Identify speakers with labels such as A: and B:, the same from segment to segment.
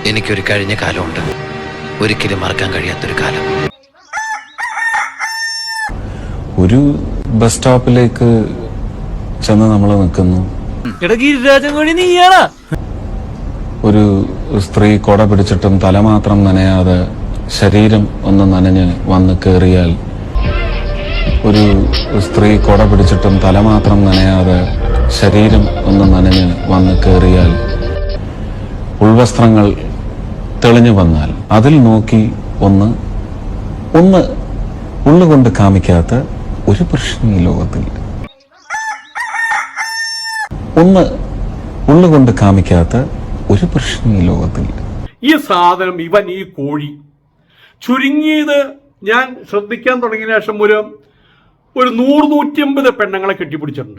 A: എനിക്കൊരു കഴിഞ്ഞ കാലമുണ്ട്, ഒരിക്കലും മറക്കാൻ കഴിയാത്തൊരു കാലം.
B: ഒരു ബസ് സ്റ്റോപ്പിലേക്ക് ചെന്ന് നമ്മൾ നിൽക്കുന്നു. ഒരു സ്ത്രീ കൊട പിടിച്ചിട്ടും തല മാത്രം നനയാതെ ശരീരം ഒന്ന് നനഞ്ഞ് വന്ന് കയറിയാൽ, ഒരു സ്ത്രീ കൊട പിടിച്ചിട്ടും തല മാത്രം നനയാതെ ശരീരം ഒന്ന് നനഞ്ഞ് വന്ന് കയറിയാൽ, ഉൾവസ്ത്രങ്ങൾ തെളിഞ്ഞു വന്നാൽ അതിൽ നോക്കി ഒന്ന് ഉള്ളുകൊണ്ട് കാമിക്കാത്ത ഒരു പുരുഷൻ ഈ ലോകത്തിൽ. ഉള്ളുകൊണ്ട് കാമിക്കാത്ത ഒരു പുരുഷൻ ഈ ലോകത്തിൽ.
C: ഈ സാധനം ഇവൻ ഈ കോഴി ചുരുങ്ങിയത് ഞാൻ ശ്രദ്ധിക്കാൻ തുടങ്ങിയ ശേഷം ഒരു 100-150 പെണ്ണുങ്ങളെ കെട്ടിപ്പിടിച്ചിട്ടുണ്ട്.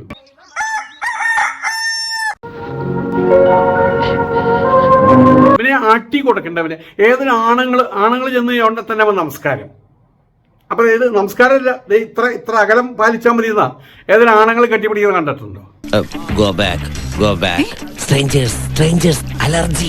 C: ഇവനെ ആട്ടി കൊടുക്കേണ്ടവനെ ഏതൊരു ആണുങ്ങൾ ചെന്ന് അവിടെ തന്നെ അവൻ നമസ്കാരം. അപ്പൊ ഏത് നമസ്കാരമില്ല, ഇത്ര അകലം പാലിച്ചാൽ മതി എന്നാ ഏതൊരു ആണുങ്ങൾ കെട്ടിപ്പിടിക്കുന്നത് കണ്ടിട്ടുണ്ടോ?
A: Go back. Strangers, allergy.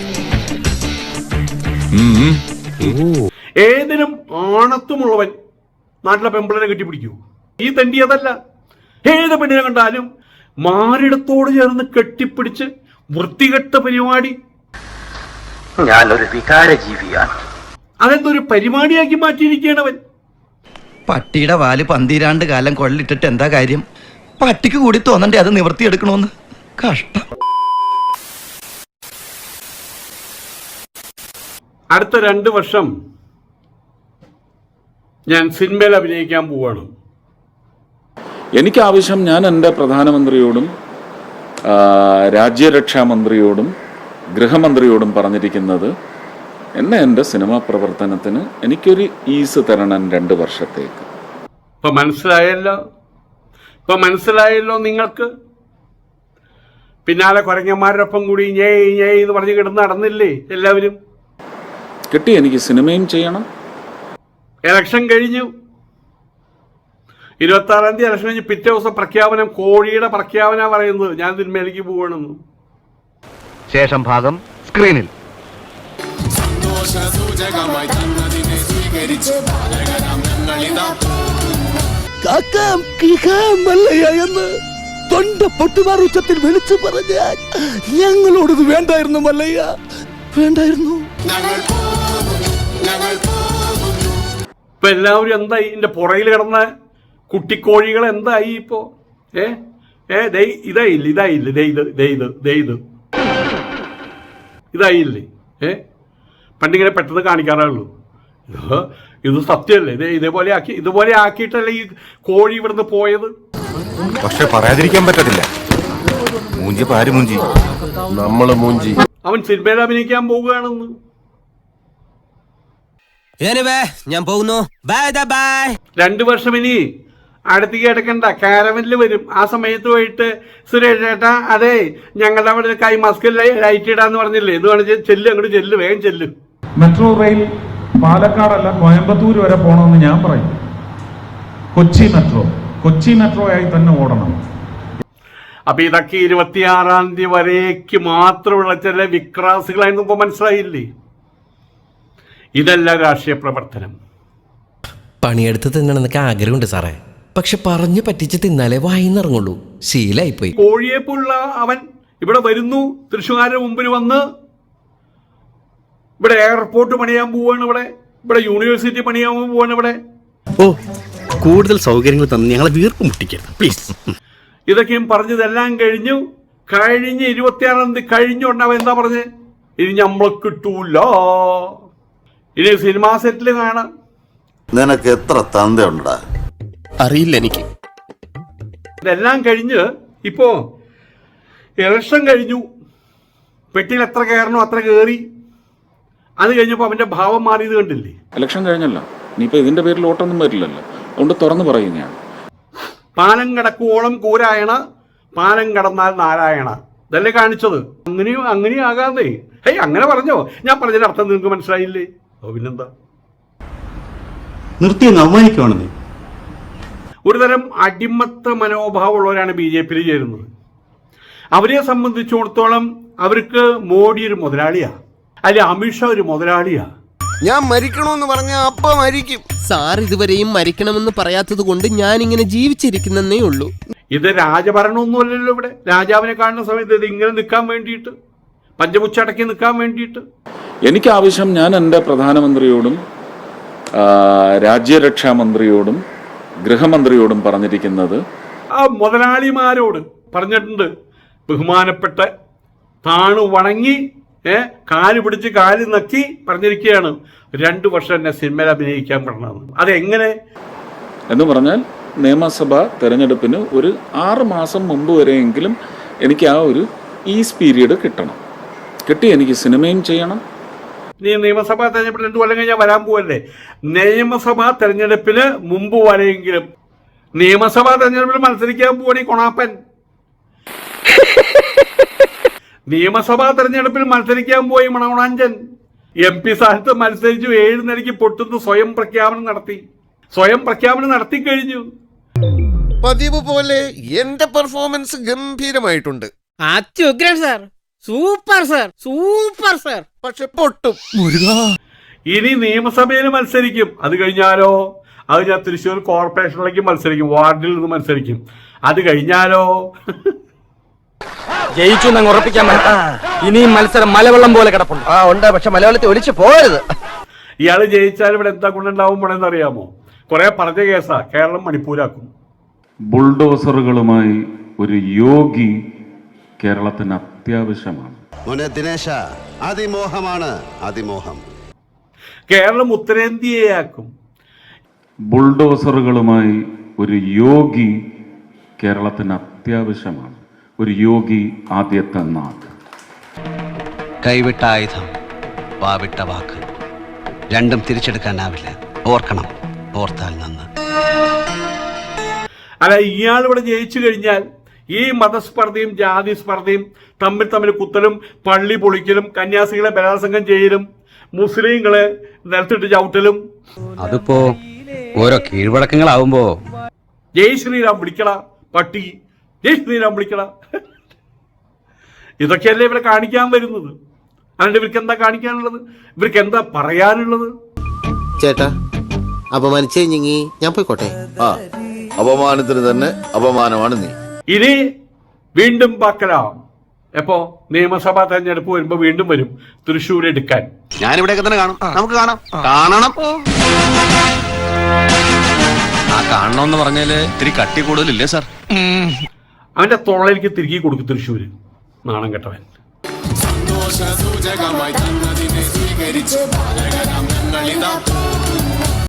C: ഏതിനും ആണത്തുമുള്ളവൻ നാട്ടിലെ പെമ്പിളരെ കെട്ടിപ്പിടിക്കൂ. ഈ തണ്ടി അതല്ല. ഏത് പെണ്ണിനെ കണ്ടാലും മാറിടത്തോട് ചേർന്ന് കെട്ടിപ്പിടിച്ച് വൃത്തികെട്ട പരിപാടി.
D: ഞാനൊരു വികാര ജീവിയാണ്.
C: അതെന്തൊരു പരിപാടിയാക്കി മാറ്റിയിരിക്കുകയാണവൻ.
E: പട്ടിയുടെ വാല് 12 കാലം കൊള്ളിട്ടിട്ട് എന്താ കാര്യം? പട്ടിക്ക് കൂടി തോന്നണ്ടേ അത് നിവർത്തിയെടുക്കണോന്ന്? കഷ്ടം.
C: അടുത്ത 2 വർഷം ഞാൻ സിനിമയിൽ അഭിനയിക്കാൻ പോവാണ്.
B: എനിക്ക് ആവശ്യം, ഞാൻ എൻ്റെ പ്രധാനമന്ത്രിയോടും രാജ്യരക്ഷാമന്ത്രിയോടും ഗൃഹമന്ത്രിയോടും പറഞ്ഞിരിക്കുന്നത്, എന്നെ എൻ്റെ സിനിമാ പ്രവർത്തനത്തിന് എനിക്കൊരു ഈസ് തരണം 2 വർഷത്തേക്ക്.
C: ഇപ്പൊ മനസ്സിലായല്ലോ നിങ്ങൾക്ക്. പിന്നാലെ കുരങ്ങന്മാരുടെ ഒപ്പം കൂടി ഞേ എന്ന് പറഞ്ഞ് കിടന്ന് നടന്നില്ലേ എല്ലാവരും?
B: കിട്ടി. എനിക്ക് സിനിമയും ചെയ്യണം.
C: ഇലക്ഷൻ കഴിഞ്ഞു. 26-ാം തീയതി ഇലക്ഷൻ കഴിഞ്ഞ് പിറ്റേ ദിവസം പ്രഖ്യാപനം, കോഴിയുടെ പ്രഖ്യാപന പറയുന്നത് ഞാൻ സിനിമയിലേക്ക് പോവാണെന്ന്.
E: ശേഷം ഭാഗം സ്ക്രീനിൽ.
F: എന്ന് തൊണ്ട പൊട്ടുമാർ ഉച്ചത്തിൽ വിളിച്ചു പറഞ്ഞാൽ ഞങ്ങളോടത് വേണ്ടായിരുന്നു മല്ലയ്യ, വേണ്ടായിരുന്നു.
C: ഇപ്പൊ എല്ലാവരും എന്തായി? ഇതിന്റെ പുറയിൽ കിടന്ന കുട്ടിക്കോഴികൾ എന്തായി ഇപ്പോ? ഇതായില്ലേ? പണ്ടിങ്ങനെ പെട്ടെന്ന് കാണിക്കാറുള്ളൂ. ഇത് സത്യമല്ലേ? ഇതുപോലെ ആക്കിയിട്ടല്ലേ ഈ കോഴി ഇവിടുന്ന് പോയത്.
G: പക്ഷെ പറയാതിരിക്കാൻ പറ്റത്തില്ല,
C: അവൻ സിനിമയിൽ അഭിനയിക്കാൻ പോവുകയാണെന്ന്.
E: ഞാൻ പോകുന്നു.
C: 2 വർഷം ഇനി അടുത്തേക്ക് എടുക്കണ്ട, കാരവനിൽ വരും. ആ സമയത്ത് പോയിട്ട് സുരേഷ് ചേട്ടാ, അതെ ഞങ്ങളുടെ അവിടെ ഒരു കൈ മാസ്ക് ലൈറ്റ് ഇടാന്ന് പറഞ്ഞില്ലേ, ഇത് വേണം ചെല്ല്, അങ്ങോട്ട് ചെല്ല്, വേഗം ചെല്ല്.
H: മെട്രോ റെയിൽ പാലക്കാടല്ല കോയമ്പത്തൂർ വരെ പോകണമെന്ന് ഞാൻ പറയും. കൊച്ചി മെട്രോ ആയി തന്നെ ഓടണം.
C: അപ്പൊ ഇതൊക്കെ 26-ാം തീയതി വരേക്ക് മാത്രമുള്ള ചില വിക്രാസുകളായിരുന്നു. ഇപ്പൊ മനസ്സിലായില്ലേ? ഇതല്ല രാഷ്ട്രീയ പ്രവർത്തനം.
I: പണിയെടുത്ത് തിന്നണമെന്നൊക്കെ ആഗ്രഹമുണ്ട് സാറേ, പക്ഷെ പറഞ്ഞു പറ്റിച്ച് തിന്നാലേ വായിന്നിറങ്ങുള്ളൂ. ശീലായിപ്പോയി.
C: കോഴിയെപ്പോലുള്ള അവൻ ഇവിടെ വരുന്നു, തൃശ്ശൂരിന്റെ മുമ്പിൽ വന്ന് ഇവിടെ എയർപോർട്ട് പണിയാൻ പോവാണ്, ഇവിടെ യൂണിവേഴ്സിറ്റി പണിയാൻ പോവാണ്. ഇവിടെ
F: കൂടുതൽ സൗകര്യങ്ങൾ തന്നെ ഞങ്ങളെ വീർപ്പ് മുട്ടിക്കരുത് പ്ലീസ്.
C: ഇതൊക്കെയും പറഞ്ഞതെല്ലാം കഴിഞ്ഞു. 26-ാം തീയതി കഴിഞ്ഞുകൊണ്ട് അവൻ എന്താ പറഞ്ഞത്? ഇനി നമ്മളെ കിട്ടൂല, ഇനി സിനിമാ സെറ്റിൽ കാണാം.
G: നിനക്ക് എത്ര തന്തയുണ്ടാ?
F: അറിയില്ല എനിക്ക്.
C: ഇതെല്ലാം കഴിഞ്ഞ് ഇപ്പോ ഇലക്ഷൻ കഴിഞ്ഞു. പെട്ടിയിൽ എത്ര കയറണോ അത്ര കയറി. അത് കഴിഞ്ഞപ്പോൾ അവന്റെ ഭാവം മാറിയത് കണ്ടില്ലേ?
B: ഇലക്ഷൻ കഴിഞ്ഞല്ലോ, ഇനിയിപ്പോൾ ഇതിന്റെ പേരിൽ ഓട്ടൊന്നും വരില്ലല്ലോ. അതുകൊണ്ട് തുറന്നു പറയും ഞാൻ.
C: പാലം കടക്കുവോളം കൂരായണ, പാലം കടന്നാൽ നാരായണ. ഇതല്ലേ കാണിച്ചത്? അങ്ങനെയും ആകാതെ. അങ്ങനെ പറഞ്ഞോ? ഞാൻ പറഞ്ഞതിന്റെ അർത്ഥം നിങ്ങൾക്ക് മനസ്സിലായില്ലേ? പിന്നെന്താ?
F: നിർത്തി അവമാനിക്കുവാണെന്നേ.
C: ഒരുതരം അടിമത്ത മനോഭാവമുള്ളവരാണ് BJP-യിൽ ചേരുന്നത്. അവരെ സംബന്ധിച്ചിടത്തോളം അവർക്ക് മോഡി ഒരു മുതലാളിയാണ്. അല്ലെ അമിത്ഷാ ഒരു മുതലാളിയാ.
J: ഞാൻ മരിക്കണമെന്ന് പറഞ്ഞ അപ്പ മരിക്കും.
F: സാർ ഇതുവരെയും മരിക്കണമെന്ന് പറയാത്തത് കൊണ്ട് ഞാൻ ഇങ്ങനെ ജീവിച്ചിരിക്കുന്നേ ഉള്ളൂ.
C: ഇത് രാജഭരണമൊന്നുമല്ലല്ലോ. ഇവിടെ രാജാവിനെ കാണുന്ന സമയത്ത് ഇത് ഇങ്ങനെ നിൽക്കാൻ വേണ്ടിയിട്ട്, പഞ്ചമുച്ചടക്കി നിൽക്കാൻ വേണ്ടിയിട്ട്.
B: എനിക്ക് ആവശ്യം, ഞാൻ എൻ്റെ പ്രധാനമന്ത്രിയോടും രാജ്യരക്ഷാ മന്ത്രിയോടും ഗൃഹമന്ത്രിയോടും പറഞ്ഞിരിക്കുന്നത്,
C: ആ മുതലാളിമാരോട് പറഞ്ഞിട്ടുണ്ട്, ബഹുമാനപ്പെട്ട താണു വണങ്ങി കാല് പിടിച്ച് കാല് നക്കി പറഞ്ഞിരിക്കുകയാണ് 2 വർഷം എന്നെ സിനിമയിൽ അഭിനയിക്കാൻ പറഞ്ഞത്. അതെങ്ങനെ
B: എന്ന് പറഞ്ഞാൽ നിയമസഭാ തെരഞ്ഞെടുപ്പിന് ഒരു 6 മാസം മുമ്പ് വരെയെങ്കിലും എനിക്ക് ആ ഒരു ഈസ് പീരീഡ് കിട്ടണം. കിട്ടി എനിക്ക് സിനിമയും ചെയ്യണം.
C: നീ നിയമസഭാ തെരഞ്ഞെടുപ്പിൽ 2 കൊല്ലം കഴിഞ്ഞാൽ വരാൻ പോവല്ലേ? നിയമസഭാ തെരഞ്ഞെടുപ്പിന് മുമ്പ് വരെയെങ്കിലും. നിയമസഭാ തെരഞ്ഞെടുപ്പിൽ മത്സരിക്കാൻ പോവാണ് ഈ കൊണാപ്പൻ. നിയമസഭാ തെരഞ്ഞെടുപ്പിൽ മത്സരിക്കാൻ പോയി മണവണാഞ്ചൻ. MP സ്ഥാനത്ത് മത്സരിച്ചു 7 നിലയ്ക്ക് പൊട്ടുന്നു. സ്വയം പ്രഖ്യാപനം നടത്തി കഴിഞ്ഞു.
J: പതിവ് പോലെ എന്റെ പെർഫോമൻസ് ഗംഭീരമായിട്ടുണ്ട്.
F: Super sir.
J: പക്ഷെ പൊട്ടും.
C: ഇനി നിയമസഭയിൽ മത്സരിക്കും. അത് കഴിഞ്ഞാലോ അത് ഞാൻ തൃശ്ശൂർ കോർപ്പറേഷനിലേക്ക് മത്സരിക്കും, വാർഡിൽ നിന്ന് മത്സരിക്കും. അത് കഴിഞ്ഞാലോ
D: ജയിച്ചു എന്നങ്ങ് ഉറപ്പിക്കാൻ ഇനിയും മത്സരം മലവെള്ളം പോലെ കിടപ്പുണ്ട്.
E: ഉണ്ട്, പക്ഷെ മലയാളത്തിൽ ഒലിച്ചു പോകരുത്.
C: ഇയാള് ജയിച്ചാൽ ഇവിടെ എന്താ കൊണ്ടുണ്ടാവും പോണെന്ന് അറിയാമോ? കുറെ പറഞ്ഞ കേസാ, കേരളം മണിപ്പൂരാക്കും.
B: ബുൾഡോസറുകളുമായി ഒരു യോഗി കേരളത്തിന് അത്യാവശ്യമാണ്.
G: മോനെ ദിനേശ, അതിമോഹമാണ് അതിമോഹം.
C: കേരളം ഉത്തരേന്ത്യയാക്കും.
B: ബുൾഡോസറുകളുമായി ഒരു യോഗി കേരളത്തിന് അത്യാവശ്യമാണ്. ഒരു യോഗി ആദ്യത്തെ നാട്.
A: കൈവിട്ട ആയുധം, വാവിട്ട വാക്ക്, രണ്ടും തിരിച്ചെടുക്കാനാവില്ല. ഓർക്കണം, ഓർത്താൽ നന്ന്.
C: അല്ല, ഇയാൾ ഇവിടെ ജയിച്ചു കഴിഞ്ഞാൽ ഈ മതസ്പർദ്ധയും ജാതി സ്പർദ്ധയും തമ്മിൽ കുത്തലും പള്ളി പൊളിക്കലും കന്യാസികളെ ബലാത്സംഗം ചെയ്യലും മുസ്ലിങ്ങളെ നിലത്തിട്ട് ചവിട്ടലും,
A: അതിപ്പോ ഓരോ കീഴ്വഴക്കങ്ങളാവുമ്പോ
C: ജയ് ശ്രീറാം വിളിക്കട പട്ടി, ജയ് ശ്രീറാം വിളിക്കട, ഇതൊക്കെയല്ലേ ഇവിടെ കാണിക്കാൻ വരുന്നത്. അതുകൊണ്ട് ഇവർക്ക് എന്താ കാണിക്കാനുള്ളത്? ഇവർക്ക് എന്താ പറയാനുള്ളത്?
J: ചേട്ടാ, അപമാനിച്ചേ ഞാൻ പോയിക്കോട്ടെ.
G: അപമാനത്തിന് തന്നെ അപമാനമാണ് നീ.
C: ഇനി വീണ്ടും പാക്കലാം. എപ്പോ നിയമസഭാ തെരഞ്ഞെടുപ്പ് വരുമ്പോ വീണ്ടും വരും തൃശ്ശൂർ എടുക്കാൻ.
D: ഞാനിവിടെയൊക്കെ തന്നെ കാണും. നമുക്ക് കാണണം.
A: ആ കാണണമെന്ന് പറഞ്ഞാല് ഇത്തിരി കട്ടി കൂടുതലില്ലേ സാർ?
C: അവന്റെ തൊള്ളയിലേക്ക് തിരികെ കൊടുക്കും തൃശ്ശൂര്. നാണം കെട്ടവൻ.